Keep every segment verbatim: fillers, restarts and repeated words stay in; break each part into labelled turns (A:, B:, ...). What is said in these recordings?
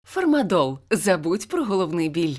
A: Фармадол. Забудь про головний біль.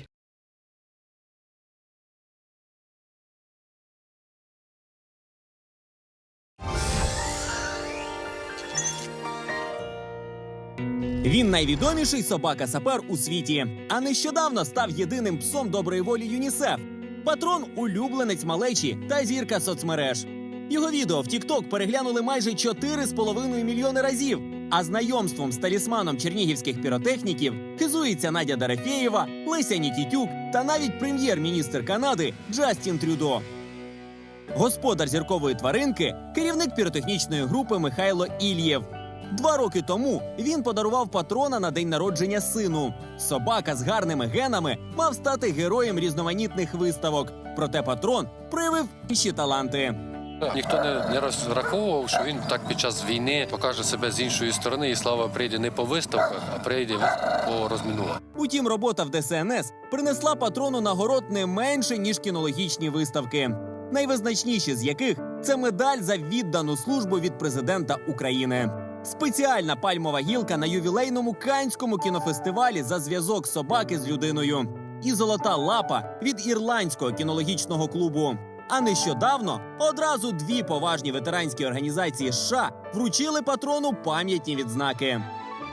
B: Він найвідоміший собака-сапер у світі, а нещодавно став єдиним псом доброї волі ЮНІСЕФ. Патрон – улюбленець малечі та зірка соцмереж. Його відео в тік-ток переглянули майже чотири з половиною мільйони разів, а знайомством з талісманом чернігівських піротехніків хизується Надя Дорофєєва, Леся Нікітюк та навіть прем'єр-міністр Канади Джастін Трюдо. Господар зіркової тваринки – керівник піротехнічної групи Михайло Ільєв. Два роки тому він подарував патрона на день народження сину. Собака з гарними генами мав стати героєм різноманітних виставок. Проте патрон проявив інші таланти.
C: Ніхто не, не розраховував, що він так під час війни покаже себе з іншої сторони, і слава прийде не по виставках, а прийде по розмінуванню.
B: Утім, робота в Де Ес Ен Ес принесла патрону нагород не менше, ніж кінологічні виставки. Найвизначніші з яких – це медаль за віддану службу від президента України. Спеціальна пальмова гілка на ювілейному Каннському кінофестивалі за зв'язок собаки з людиною. І золота лапа від Ірландського кінологічного клубу. А нещодавно одразу дві поважні ветеранські організації США вручили патрону пам'ятні відзнаки.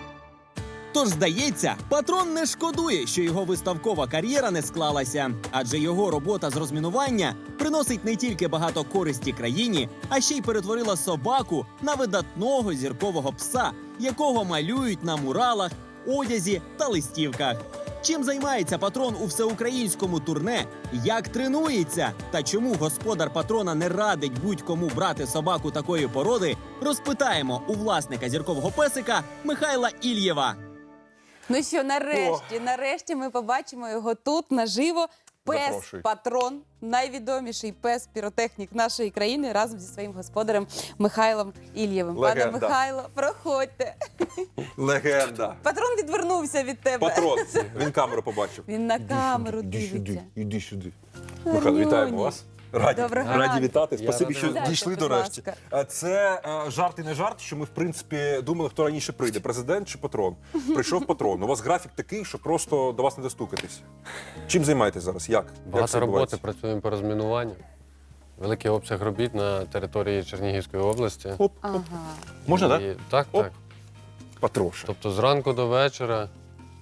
B: Тож, здається, патрон не шкодує, що його виставкова кар'єра не склалася. Адже його робота з розмінування приносить не тільки багато користі країні, а ще й перетворила собаку на видатного зіркового пса, якого малюють на муралах, одязі та листівках. Чим займається патрон у всеукраїнському турне, як тренується та чому господар патрона не радить будь-кому брати собаку такої породи, розпитаємо у власника зіркового песика Михайла Ільєва.
D: Ну що, нарешті,
E: О.
D: нарешті ми побачимо його тут, наживо.
E: Запрошуй.
D: Пес-патрон, найвідоміший пес-піротехнік нашої країни, разом зі своїм господарем Михайлом Ільєвим. Пане
E: Легенда.
D: Михайло, проходьте.
E: Легенда.
D: Патрон відвернувся від тебе.
E: Патрон. Він камеру побачив.
D: Він на камеру
E: Іди сюди,
D: дивиться.
E: іди сюди. Михайло, вітаємо вас. Раді,
D: Доброго
E: раді
D: ранку.
E: вітати.
C: Я
E: Спасибі,
C: радий
E: що
C: вас.
E: дійшли
D: Будь
E: до решті.
D: ласка.
E: А Це е, жарт і не жарт, що ми, в принципі, думали, хто раніше прийде, президент чи патрон. Прийшов патрон. У вас графік такий, що просто до вас не достукатись. Чим займаєтесь зараз? Як? Як
C: Багато
E: це
C: роботи,
E: відбувається?
C: працюємо по розмінуванню. Великий обсяг робіт на території Чернігівської області.
E: Оп,
D: Ага.
E: можна, так?
C: І- Так,
E: Оп.
C: так.
E: Патроша.
C: Тобто зранку до вечора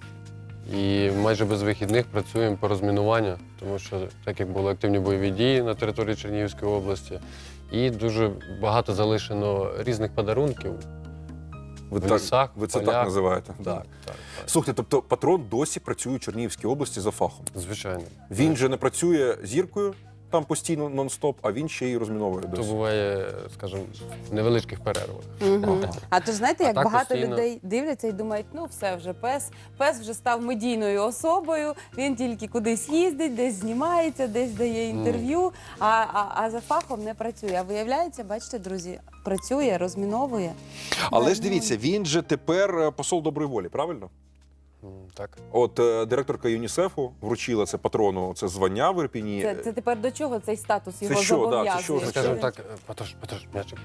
C: і майже без вихідних працюємо по розмінуванню, тому що так як були активні бойові дії на території Чернігівської області, і дуже багато залишено різних подарунків.
E: Ви,
C: в
E: так,
C: лісах,
E: ви це
C: полях.
E: так називаєте?
C: Так, так, так.
E: Слухайте, тобто патрон досі працює у Чернігівській області за фахом.
C: Звичайно.
E: Він же не працює зіркою там постійно нон-стоп, а він ще й розміновує
C: То
E: досі.
C: буває, скажімо, в невеличких перервах.
D: Мгм. А то ж знаєте,
C: А
D: як
C: так
D: багато
C: постійно.
D: людей дивляться і думають, ну все вже пес, пес вже став медійною особою, він тільки кудись їздить, десь знімається, десь дає інтерв'ю, а, а, а за фахом не працює. А виявляється, бачите, друзі, працює, розміновує.
E: Але ж дивіться, він же тепер е, посол доброї волі, правильно?
C: М, Так.
E: От е, директорка ЮНІСЕФу вручила це патрону, це звання в Ірпіні.
D: Це, це тепер до чого цей статус
E: Це
D: його
E: що, да, це
D: зобов'язує?
E: що означає?
C: Скажімо
D: він-
C: так, е, Патрош, Патрош, м'ячик.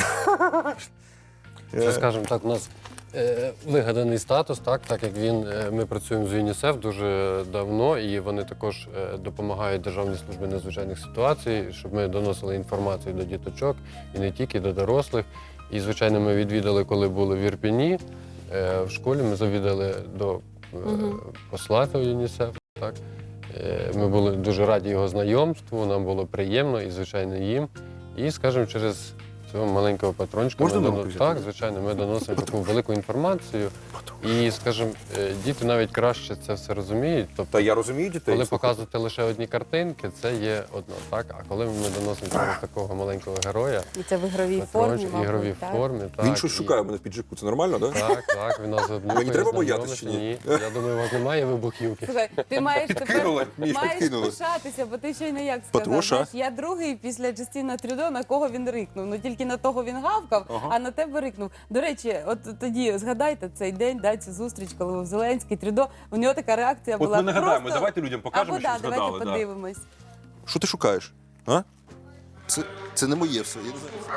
E: Е,
C: Це, скажімо так, у нас е, вигаданий статус, так, так як він, е, ми працюємо з ЮНІСЕФ дуже давно, і вони також е, допомагають Державній службі надзвичайних ситуацій, щоб ми доносили інформацію до діточок і не тільки до дорослих. І, звичайно, ми відвідали, коли були в Ірпіні, е, в школі ми завідали до е,
D: Мгм.
C: посла ЮНІСЕФ. Так. Е, Ми були дуже раді його знайомству, нам було приємно і, звичайно, їм. І, скажімо, через цього маленького патрончика
E: Можна
C: ми
E: на руку
C: доно-
E: взяти?
C: так, звичайно, ми доносимо таку велику інформацію. І, скажімо, е, діти навіть краще це все розуміють. Тобто,
E: Та я розумію дітей.
C: коли
E: слухайте.
C: показувати лише одні картинки, це є одно, так? А коли ми доносимо через такого маленького героя,
D: І це в ігровій формі,
C: патрончик, в
D: мабуть,
C: ігровій
D: так?
C: формі, так.
E: Він щось
C: і-
E: шукає в мене в піджаку, це нормально, так? Да?
C: Так, так, він нас обнюхує,
E: Мені треба
C: знайомиться.
E: боятися чи ні?
C: Ні, я думаю, у вас немає вибухівки.
D: Слухай, ти маєш тепер
E: Кинули, мені
D: маєш
E: кинули.
D: пишатися, бо ти щойно як сказав.
E: Патроша.
D: Знаєш, я другий після Джастіна Трюдо, на кого він рикнув. Ну тільки на того він гавкав,
E: Ага.
D: а на тебе рикнув. До речі, от тоді згадайте цей день, да, цю зустріч, коли був Зеленський, Трюдо. У нього така реакція
E: От
D: була.
E: ми нагадаємо,
D: просто...
E: давайте людям покажемо,
D: Або,
E: що
D: да,
E: згадали.
D: давайте
E: да.
D: подивимось.
E: Що ти шукаєш? А? Це, це не моє все. Я не знаю.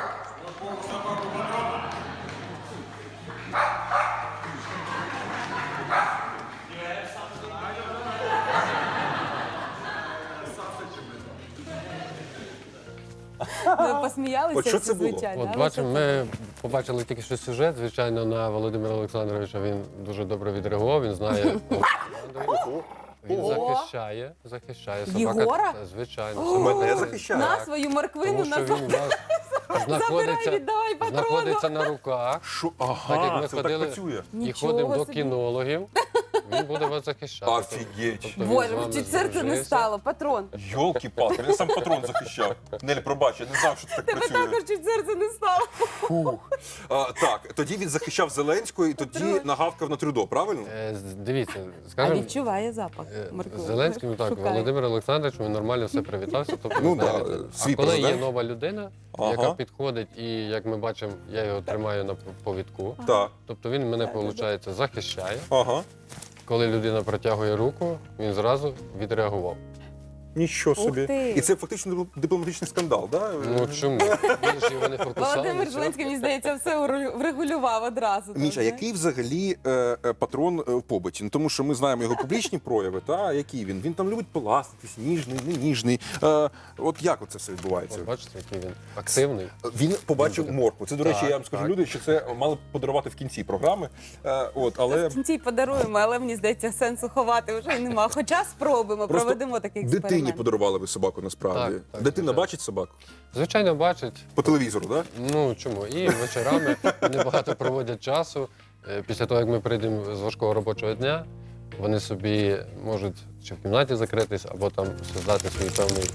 D: ми посміялися.
E: От що це було?
D: звичайно.
C: От
D: але
C: бачимо,
D: що це
C: ми побачили тільки що сюжет. Звичайно, на Володимира Олександровича він дуже добре відреагував. Він знає Олександрович. Він
D: Ого.
C: захищає, захищає собака.
D: Єгора?
C: Та, звичайно,
D: О,
C: собака
E: мене
C: це-
E: захищає.
D: На
C: так,
D: свою морквину
C: тому що
D: назад.
C: він у вас знаходиться,
D: віддавай патрону.
C: знаходиться на руках.
E: Що?
C: Так як
E: Ага,
C: ми
E: це так
C: ходили
E: працює.
C: і
D: Нічого
C: ходимо до
D: собі.
C: кінологів, він буде вас захищати.
E: Офігеть.
C: Тобто він з
D: Боже,
C: вами
D: чуть серце не
C: здружився.
D: стало, патрон.
E: Йолки-палки, він сам патрон захищав. Нель, пробач, я не знав, що це так
D: Тебе
E: працює.
D: також чуть серце не стало.
E: Фух. А, так, тоді він захищав Зеленського і тоді
D: Патрон.
E: нагавкав на Трюдо, правильно?
C: Е, з- Дивіться,
D: А
C: скажімо,
D: відчуває запах
C: е,
D: моркви.
C: з Зеленським так,
D: Шукає.
C: Володимир Олександрович, він нормально все привітався. Тобто,
E: Ну
C: ви
E: да,
C: знаєте.
E: свій
C: а коли є
E: президент.
C: нова людина,
E: Ага.
C: яка підходить, і як ми бачимо, я його тримаю на повідку.
E: Так.
C: Тобто він мене, виходить, захищає.
E: Ага.
C: Коли людина протягує руку, він зразу відреагував.
E: Нічого
D: Ух
E: собі.
D: ти.
E: І це фактично дипломатичний скандал, так?
C: Ну чому? Він ж його не фокусував.
D: Володимир Зеленський, мені здається, все уру- врегулював одразу.
E: Міша,
D: так,
E: який взагалі е, е, патрон е, в побуті? Ну, тому що ми знаємо його публічні прояви, та який він? Він там любить поластитись, ніжний, не ніжний. Е, от як оце все відбувається?
C: От бачите, який він активний.
E: Він побачив
C: Він
E: моркву. Це, до речі,
C: Так,
E: я вам скажу
C: так.
E: люди, що це мали б подарувати в кінці програми. Е, от, але
D: В кінці подаруємо, але мені здається, сенсу ховати вже нема. Хоча спробуємо,
E: просто
D: проведемо такий
E: дитині
D: експеримент.
E: подарували ви собаку насправді.
C: Так, так,
E: Дитина
C: звичайно.
E: бачить собаку?
C: Звичайно, бачить.
E: По телевізору, так?
C: Ну чому? І вечорами вони багато проводять часу. Е, Після того, як ми прийдемо з важкого робочого дня, вони собі можуть чи в кімнаті закритись, або там создати свій певний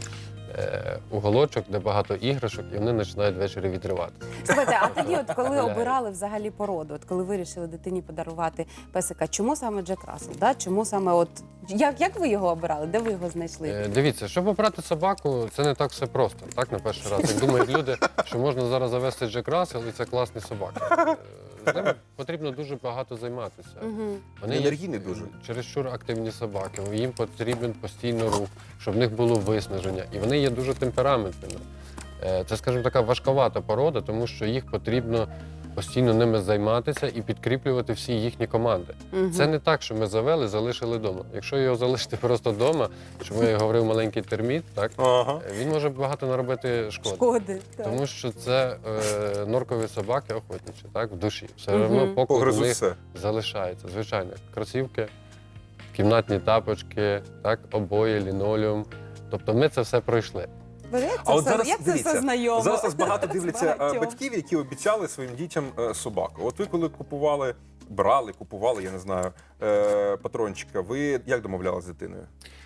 C: е, уголочок, де багато іграшок, і вони починають ввечері відривати.
D: Слухайте, а тоді, от коли
C: Гуляє.
D: обирали взагалі породу, от коли вирішили дитині подарувати песика, чому саме Джек Рассел? Да? Чому саме от як, як ви його обирали? Де ви його знайшли?
C: Е, Дивіться, щоб обрати собаку, це не так все просто, так, на перший раз. Як думають люди, що можна зараз завести Джек Рассел, і це класні собаки. Е, З ними потрібно дуже багато займатися.
D: Угу.
C: Вони є
E: Енергійні дуже.
C: чересчур активні собаки, їм потрібен постійно рух, щоб в них було виснаження. І вони є дуже темпераментними. Е, Це, скажімо, така важковата порода, тому що їх потрібно постійно ними займатися і підкріплювати всі їхні команди. Це не так, що ми завели, залишили вдома. Якщо його залишити просто вдома, чому я говорив маленький терміт, так,
E: Ага.
C: е, він може багато наробити шкоди.
D: Шкоди. Так.
C: Тому що це е, норкові собаки охотничі, так, в душі. Все
D: Мгм.
C: одно поклик у
E: Погризуть
C: них
E: все.
C: залишається. Звичайно, кросівки, кімнатні тапочки, так, обої, лінолеум. Тобто ми це все пройшли.
D: Бо як це,
E: А от
D: все,
E: зараз
D: як це
E: дивіться,
D: все знайомо?
E: Зараз нас багато
D: З
E: дивляться е,
D: багатьох.
E: батьків, які обіцяли своїм дітям е, собаку. От ви коли купували, брали, купували, я не знаю, е, патрончика, ви як домовлялися з дитиною?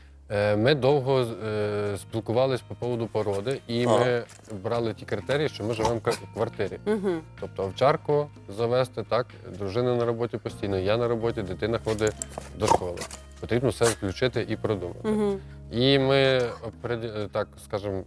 C: Е, Ми довго е, спілкувалися по поводу породи, і
E: Ага.
C: ми брали ті критерії, що ми живемо в квартирі.
D: Мгм.
C: Тобто овчарку завести, так, дружина на роботі постійно, я на роботі, дитина ходить до школи. Потрібно все включити і продумати.
D: Мгм.
C: І ми, опред- так скажемо,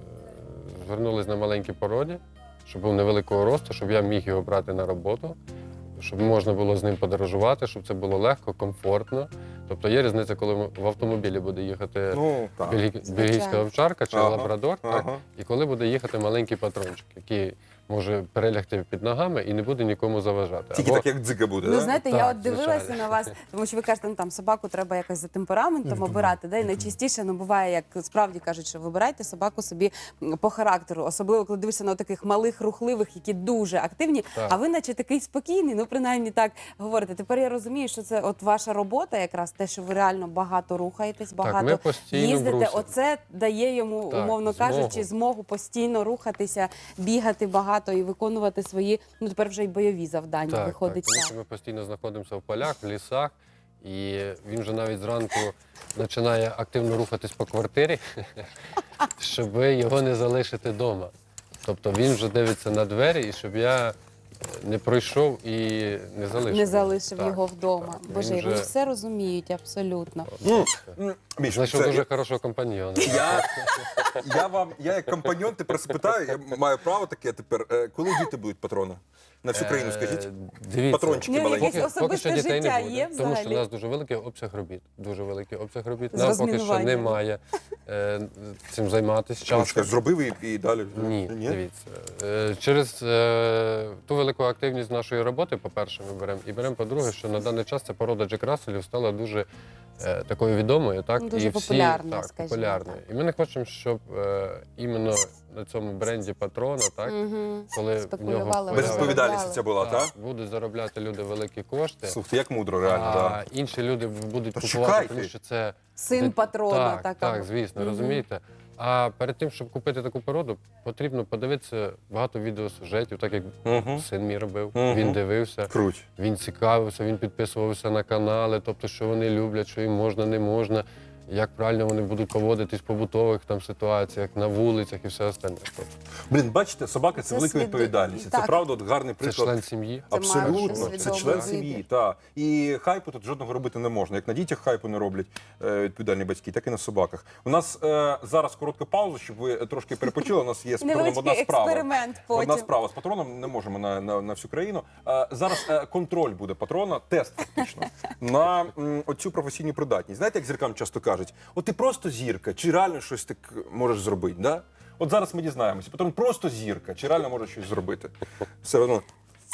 C: звернулись на маленькій породі, щоб був невеликого росту, щоб я міг його брати на роботу, щоб можна було з ним подорожувати, щоб це було легко, комфортно. Тобто є різниця, коли ми- в автомобілі буде їхати
E: Ну, так.
C: бельгі- бельгійська овчарка чи
E: Ага,
C: лабрадор, так?
E: ага.
C: І коли буде їхати маленький патрончик, який може перелягти під ногами і не буде нікому заважати.
E: Тільки
C: Або-
E: так, як дзига буде,
D: Ну,
E: да?
D: знаєте, я
C: Так,
D: от дивилася
C: звичайно.
D: на вас, тому що ви кажете, ну там собаку треба якось за темпераментом обирати. Да? І найчастіше ну, буває, як справді кажуть, що вибирайте собаку собі м, по характеру, особливо коли дивишся на таких малих, рухливих, які дуже активні.
C: Так.
D: А ви, наче такий спокійний, ну принаймні так говорите. Тепер я розумію, що це от ваша робота, якраз те, що ви реально багато рухаєтесь, багато
C: ми постійно в
D: їздите.
C: русі.
D: Оце дає йому,
C: Так,
D: умовно
C: змогу.
D: кажучи, змогу постійно рухатися, бігати багато і виконувати свої, ну тепер вже й бойові завдання.
C: Так,
D: Виходить
C: так, тому що ми постійно знаходимося в полях, в лісах, і він вже навіть зранку починає активно рухатись по квартирі, щоб його не залишити вдома. Тобто він вже дивиться на двері, і щоб я не пройшов і не залишив.
D: Не залишив
C: Так,
D: його вдома.
C: так. Він
D: Боже,
C: вже-
D: вони все розуміють абсолютно.
E: Ну, м, Міш,
C: Знайшов
E: це-
C: дуже хорошого компаньйона.
E: Я, я вам, я як компаньон тепер спитаю, я маю право таке тепер. Е, Коли діти будуть патрона? На всю країну скажіть.
C: Е, Дивіться.
E: Патрончики
D: Ну,
E: маленькі.
D: якесь особисте життя
C: не буде,
D: є
C: тому що
D: взагалі?
C: у нас дуже великий обсяг робіт. Дуже великий обсяг робіт.
D: З
C: Нам поки що
D: розмінуванням.
C: немає е, цим займатися
E: Чашка,
C: часом.
E: зробив і, і далі.
C: Ні, дивіться. Е, Через е, ту велику активність нашої роботи, по-перше, ми беремо, і беремо, по-друге, що на даний час ця порода Джек Расселів стала дуже е, такою відомою, так?
D: Дуже
C: і всі,
D: популярною,
C: так,
D: скажімо
C: популярною. І ми не хочемо, щоб е, іменно на цьому бренді патрона, так?
D: Мгм.
C: Коли в
D: Спекулювали,
C: нього появи-
E: Безвідповідальність ця була, так?
C: будуть заробляти люди великі кошти,
E: Слухайте, як мудро, реально,
C: а
E: так.
C: інші люди будуть
E: Та
C: купувати,
E: чекайте.
C: тому що це
D: Син
C: де-
D: патрона,
C: Так,
D: така.
C: так, звісно,
D: Мгм.
C: розумієте. А перед тим, щоб купити таку породу, потрібно подивитися багато відеосюжетів, так як
E: Мгм.
C: син мій робив.
E: Мгм.
C: Він дивився,
E: Круть.
C: він цікавився, він підписувався на канали, тобто, що вони люблять, що їм можна, не можна, як правильно вони будуть поводитись в побутових там ситуаціях, на вулицях і все остальне. Тобто,
E: Блін, бачите, собака це,
D: Це
E: велика
D: свідо-
E: відповідальність. І Це
D: так.
E: правда от гарний
C: це
E: приклад.
C: член сім'ї.
D: Це має бути
E: Абсолютно, це
D: свідомий
E: член
D: вибір.
E: сім'ї. Та. І хайпу тут жодного робити не можна. Як на дітях хайпу не роблять е, відповідальні батьки, так і на собаках. У нас е, зараз коротка пауза, щоб ви трошки перепочили. У нас є з патроном одна
D: Невеличкий
E: справа.
D: експеримент
E: Одна
D: потім.
E: справа з патроном, не можемо на, на, на всю країну. Е, зараз е, контроль буде патрона, тест фактично, на м, оцю професійну придатність. Знаєте, як зіркам часто кажуть, от ти просто зірка, чи реально щось так можеш зробити, да? От зараз ми дізнаємося. Патрон просто зірка, чи реально може щось зробити. Все одно.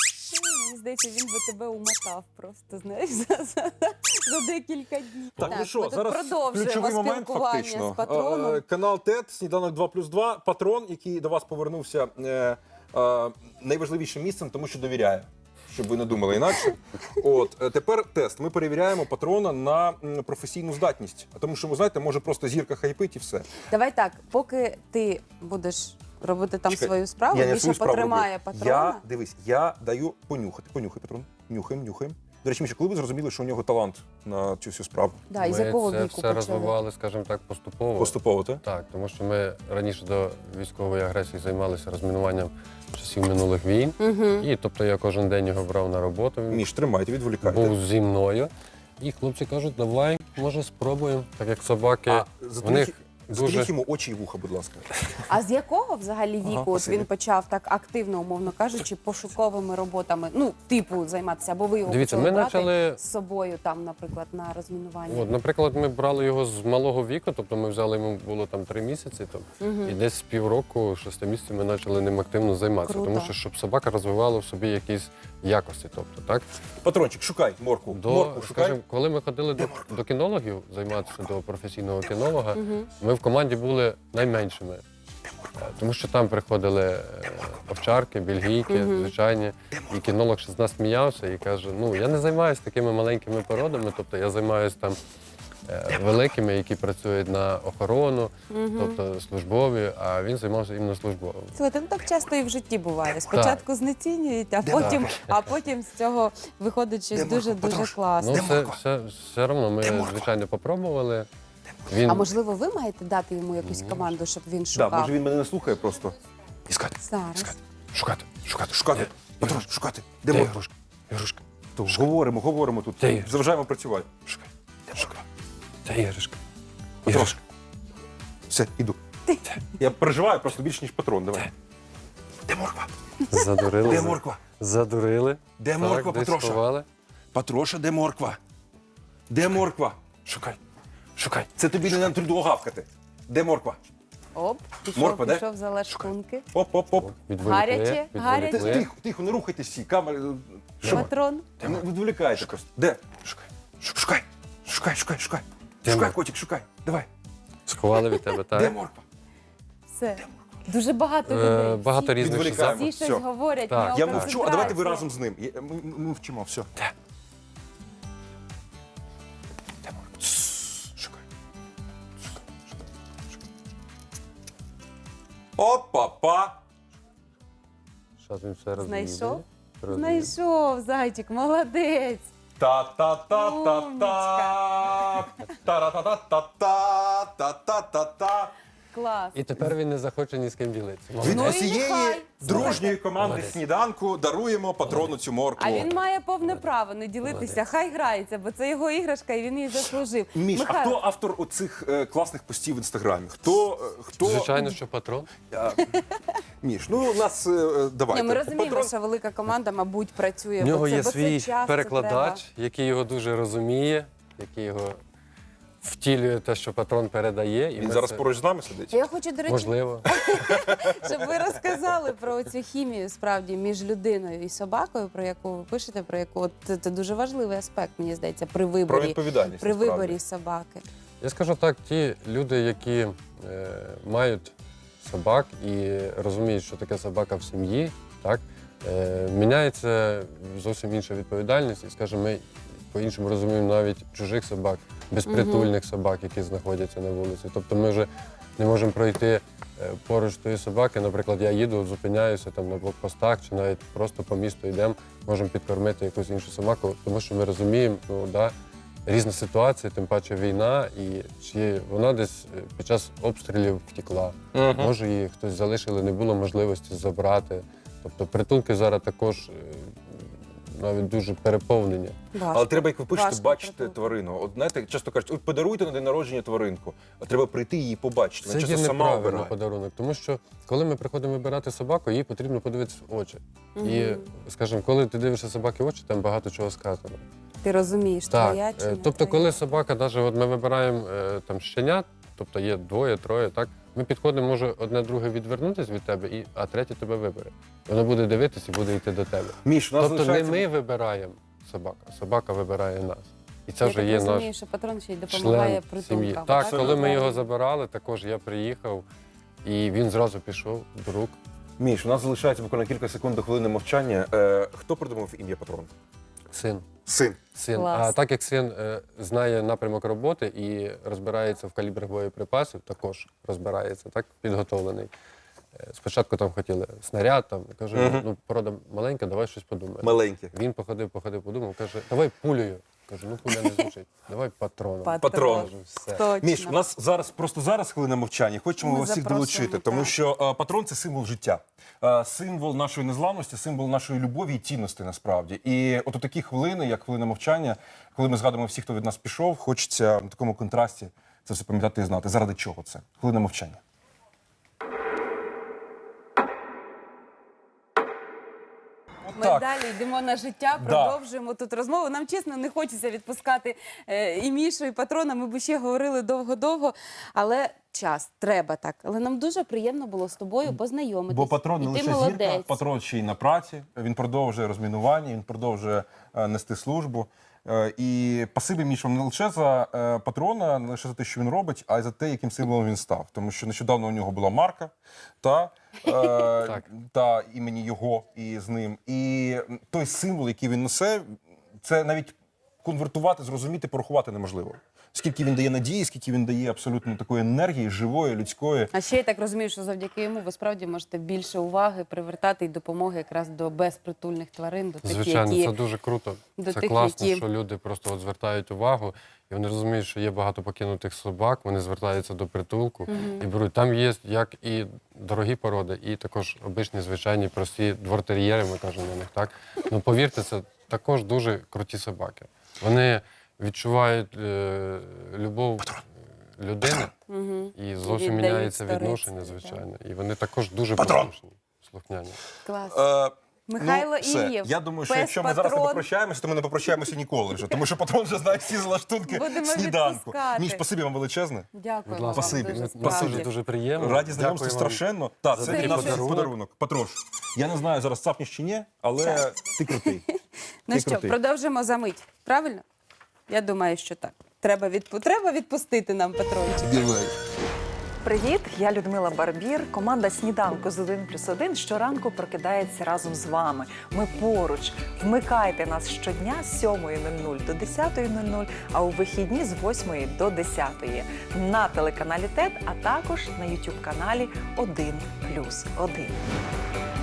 D: Мені здається, він би тебе умотав просто, знаєш, за, за, за декілька днів.
E: Так, ну
D: ми
E: що,
D: тут
E: зараз
D: продовжуємо
E: ключовий момент
D: спілкування
E: фактично.
D: з патроном.
E: Е, Канал ТЕТ, сніданок два плюс два, патрон, який до вас повернувся е, е, найважливішим місцем, тому що довіряє. Щоб ви не думали інакше. От е, тепер тест. Ми перевіряємо патрона на м, професійну здатність. А тому, що ви знаєте, може просто зірка хайпить і все.
D: Давай так, поки ти будеш робити там
E: Чекай,
D: свою справу,
E: я не
D: більше
E: свою справу
D: потримає
E: роблю.
D: патрона.
E: Я дивись, я даю понюхати. Понюхай, патрон. Нюхаємо, нюхаємо. До речі, Міша, коли ви зрозуміли, що у нього талант на цю всю справу?
D: Да, і з
C: Ми
D: якого
C: це
D: віку
C: все
D: почали?
C: розвивали, скажімо так, поступово.
E: Поступово, так?
C: Так, тому що ми раніше до військової агресії займалися розмінуванням часів минулих війн.
D: Угу.
C: І тобто я кожен день його брав на роботу. Він
E: Міш, тримайте, відволікайте.
C: був зі мною. І хлопці кажуть, давай, може, спробуємо. Так як собаки,
E: А
C: в
E: затріть,
C: них
E: затріть
C: дуже.
E: йому очі і вуха, будь ласка.
D: А з якого взагалі
E: Ага,
D: віку от
E: спасибі.
D: він почав так активно, умовно кажучи, пошуковими роботами, ну, типу, займатися, або ви його
C: Дивіться,
D: почали
C: ми
D: брати
C: почали.
D: з собою там, наприклад, на розмінування?
C: От, наприклад, ми брали його з малого віку, тобто ми взяли йому було там три місяці, тобто,
D: Мгм.
C: і десь з півроку, шести місяців ми почали ним активно займатися.
D: Круто.
C: Тому що щоб собака розвивала в собі якісь якості. Тобто, так?
E: Патрончик, шукай морку.
C: До,
E: Морку шукай.
C: скажімо, коли ми ходили до, до кінологів займатися до професійного кінолога, ми в команді були найменшими. Е, Тому що там приходили е, овчарки, бельгійки, звичайні. І кінолог ще з нас сміявся і каже: ну я не займаюся такими маленькими породами, тобто я займаюся там е, великими, які працюють на охорону, тобто службові, а він займався іменно службовим.
D: Слухайте, ну так часто і в житті буває. Спочатку знецінюють, а потім, а потім з цього виходить щось дуже-дуже класне.
C: Ну, все, все, все одно ми, звичайно, попробували. Він
D: А можливо, ви маєте дати йому якусь команду, щоб він
E: Да,
D: шукав?
E: може він мене не слухає просто. Іскати.
D: Зараз.
C: шукати, шукати,
E: Шукати.
C: Де-
E: Патрон, шукати. Де
C: Де
E: морка?
C: ігрушка? Ігрушка.
E: То Говоримо, говоримо тут.
C: Де іграшка?
E: Заважаємо працювати.
C: Шукай. Де шукай? Де іграшка?
E: Патрон.
C: Іграшка.
E: Все, іду. Я переживаю просто більше, ніж патрон. Давай. Де морква?
C: Задурили.
E: Де
C: за-
E: морква?
C: Задурили.
E: Де
C: Так,
E: морква,
C: десь
E: Патроша?
C: сховали.
E: Патроша, де морква? Де морква?
C: Шукай. Шукай.
E: Це тобі не нам трудово гавкати. Де морква?
D: Оп, пішов,
E: Морква, де?
D: пішов за лашкунки.
E: Оп, оп, оп.
C: Відволікли,
D: Гаряче, гаряче.
E: Ти-
C: відволікли.
E: Тихо, тихо, не рухайтесь всі. Камери. Що?
D: Патрон.
E: Не відволікайте просто. Де?
C: Шукай.
E: Шукай. Шукай, шукай, шукай.
C: Де
E: Шукай,
C: морква?
E: котик, шукай. Давай.
C: Сховали від тебе,
E: Де
C: так?
E: морква?
D: Все. Дуже багато
C: Е,
D: людей.
C: Багато
D: Всі-
C: різних
E: Відволікаємо.
D: Всі щось
E: Все.
D: говорять,
C: Так.
D: в нього
E: Я мовчу, а давайте ви
D: концентрація.
E: разом з ним. Я- Ми, ми вчимо, все.
C: Де?
E: Де морква? Тссс, Шукай. Шукай, шукай, шукай. Опа-па.
C: Що він все розвів?
D: Знайшов?
C: Розвів.
D: Знайшов, зайчик, молодець.
E: Та-та-та-та-та. Та-ра-та-та-та-та.
D: Клас.
C: І тепер він не захоче ні з ким ділитися.
E: Від
D: Ну і
E: усієї
D: нехай.
E: дружньої команди
C: Молодець.
E: сніданку даруємо патрону цю моркву.
D: А він має повне право не ділитися, хай грається, бо це його іграшка і він її заслужив.
E: Міш, а
D: Михайло,
E: хто автор оцих е, класних постів в інстаграмі? Хто е, хто
C: Звичайно, що патрон.
E: А, Міш, ну у нас е, давайте.
D: Ні, ми розуміємо,
E: Патрон-
D: що велика команда, мабуть, працює.
C: В
D: бо
C: нього
D: це,
C: є
D: бо це
C: свій
D: часто
C: перекладач,
D: треба.
C: який його дуже розуміє, який його втілює те, що патрон передає. І
E: Він
C: ми
E: зараз
C: це-
E: поруч з нами сидить.
D: Я хочу, до речі,
C: Можливо.
D: щоб ви розказали про цю хімію справді між людиною і собакою, про яку ви пишете, про яку от це, це дуже важливий аспект, мені здається, при
E: Про
D: виборі,
E: відповідальність.
D: при
E: насправді.
D: виборі собаки.
C: Я скажу так, ті люди, які е, мають собак і розуміють, що таке собака в сім'ї, так, е, міняється зовсім інша відповідальність. І, скажімо, ми по-іншому розуміємо навіть чужих собак, безпритульних собак, які знаходяться на вулиці. Тобто ми вже не можемо пройти е, поруч тої собаки. Наприклад, я їду, зупиняюся там на блокпостах чи навіть просто по місту йдемо, можемо підкормити якусь іншу собаку, тому що ми розуміємо, ну, да, різна ситуація, тим паче війна, і чи вона десь під час обстрілів втекла.
E: Мгм.
C: Може, її хтось залишили, не було можливості забрати. Тобто притулки зараз також е, навіть дуже переповнені.
D: Важко.
E: Але треба, як ви пишете,
D: Важко
E: бачити
D: придумати.
E: тварину. От знаєте, часто кажуть, от подаруйте на день народження тваринку, а треба прийти її побачити.
C: Це
E: Вона
C: є
E: часто сама
C: неправильний
E: обирає.
C: подарунок, тому що коли ми приходимо вибирати собаку, їй потрібно подивитися в очі.
D: Мгм.
C: І, скажімо, коли ти дивишся собаки в очі, там багато чого сказано.
D: Ти розумієш,
C: Так,
D: твоя чи
C: е,
D: не
C: тобто,
D: твоя.
C: коли собака, навіть от ми вибираємо е, там щенят, тобто є двоє, троє, так, ми підходимо, може одне друге відвернутися від тебе, і, а третє тебе вибере. Воно буде дивитися і буде йти до тебе.
E: Міш, у нас
C: Тобто не
E: залишається...
C: ми вибираємо собаку, а собака вибирає нас. І це
D: Я
C: вже
D: так
C: є
D: розумію,
C: наш
D: що патрон ще й допомагає
C: член сім'ї.
D: притулкам.
C: Так,
E: Абсолютно
C: коли ми його
D: правильно.
C: забирали, також я приїхав, і він зразу пішов до рук.
E: Міш, у нас залишається буквально кілька секунд до хвилини мовчання. Е, хто придумав ім'я патрон?
C: Син.
E: Син.
C: Син.
D: Клас.
C: А так як син е, знає напрямок роботи і розбирається в калібрах боєприпасів, також розбирається, так, підготовлений. Е, Спочатку там хотіли снаряд, там, кажу,
E: Мгм.
C: ну, порода маленька, давай щось подумаємо.
E: Маленький.
C: Він походив, походив, подумав, каже, давай пулею. Кажу, ну пуля не звучить, давай патроном.
E: Патрон.
C: Кажу, все.
D: Точно.
E: Міш, у нас зараз просто зараз хвилина мовчання. Хочемо
D: Ми
E: вас всіх
D: запрошуємо,
E: долучити, тому
D: так.
E: що е, патрон це символ життя, е, символ нашої незламності, символ нашої любові і цінності насправді. І от у такі хвилини, як хвилина мовчання, коли ми згадуємо всіх, хто від нас пішов, хочеться на такому контрасті це все пам'ятати і знати. Заради чого це? Хвилина мовчання.
D: Ми
E: Так.
D: далі йдемо на життя,
E: Да.
D: продовжуємо тут розмову. Нам чесно не хочеться відпускати е, і Мішу, і патрона. Ми б ще говорили довго-довго, але час треба так. Але нам дуже приємно було з тобою познайомитись.
E: Бо патрон не
D: І ти
E: лише
D: молодець.
E: зірка, патрон ще й на праці. Він продовжує розмінування, він продовжує е, нести службу. Е, І пасибі Мішам не лише за е, патрона, не лише за те, що він робить, а й за те, яким символом він став. Тому що нещодавно у нього була марка та, е, та імені його і з ним. І той символ, який він несе, це навіть конвертувати, зрозуміти, порахувати неможливо. Скільки він дає надії, скільки він дає абсолютно такої енергії, живої, людської.
D: А ще я так розумію, що завдяки йому ви справді можете більше уваги привертати і допомоги якраз до безпритульних тварин, до тих,
C: Звичайно,
D: які...
C: це дуже круто.
D: до
C: Це
D: тих,
C: класно,
D: які-
C: що люди просто от звертають увагу, і вони розуміють, що є багато покинутих собак, вони звертаються до притулку і беруть. Там є як і дорогі породи, і також обичні, звичайні, прості двортер'єри, ми кажемо на них, так? Ну, повірте, це також дуже круті собаки. Вони відчувають е, любов людини,
D: Мгм.
C: і зовсім
D: віддають
C: міняється
D: старицтво,
C: відношення,
D: так.
C: звичайно. І вони також дуже
E: Патрон!
C: послушні, слухняні.
D: Клас.
E: Е,
D: Михайло
E: ну, все.
D: Іллєв,
E: Я думаю, що
D: пес
E: якщо ми зараз не
D: патрон.
E: попрощаємося, то ми не попрощаємося ніколи вже. Тому що патрон вже знає всі залаштунки
D: Будемо
E: сніданку.
D: відпускати.
E: Міш, спасибі вам величезне.
D: Дякую
C: Будь
D: вам
C: ласка,
E: Спасибі.
D: дуже,
C: Ми-
D: справді.
C: дуже дуже приємно.
E: Раді знайомству
C: Дякую вам.
E: страшенно. Так,
C: за
E: це
D: такий
E: для нас
D: подарунок.
E: подарунок. Патрош, я не знаю, зараз цапнеш чи ні, але ти крутий.
D: Ну
E: Ти
D: що,
E: крутий.
D: продовжимо за мить, правильно? Я думаю, що так. Треба, відпу... Треба відпустити нам патрончик.
F: Привіт, я Людмила Барбір. Команда «Сніданку з один плюс один» щоранку прокидається разом з вами. Ми поруч. Вмикайте нас щодня з сьомої нуль нуль до десятої нуль нуль, а у вихідні з восьмої до десятої на телеканалі ТЕТ, а також на ютуб-каналі один плюс один.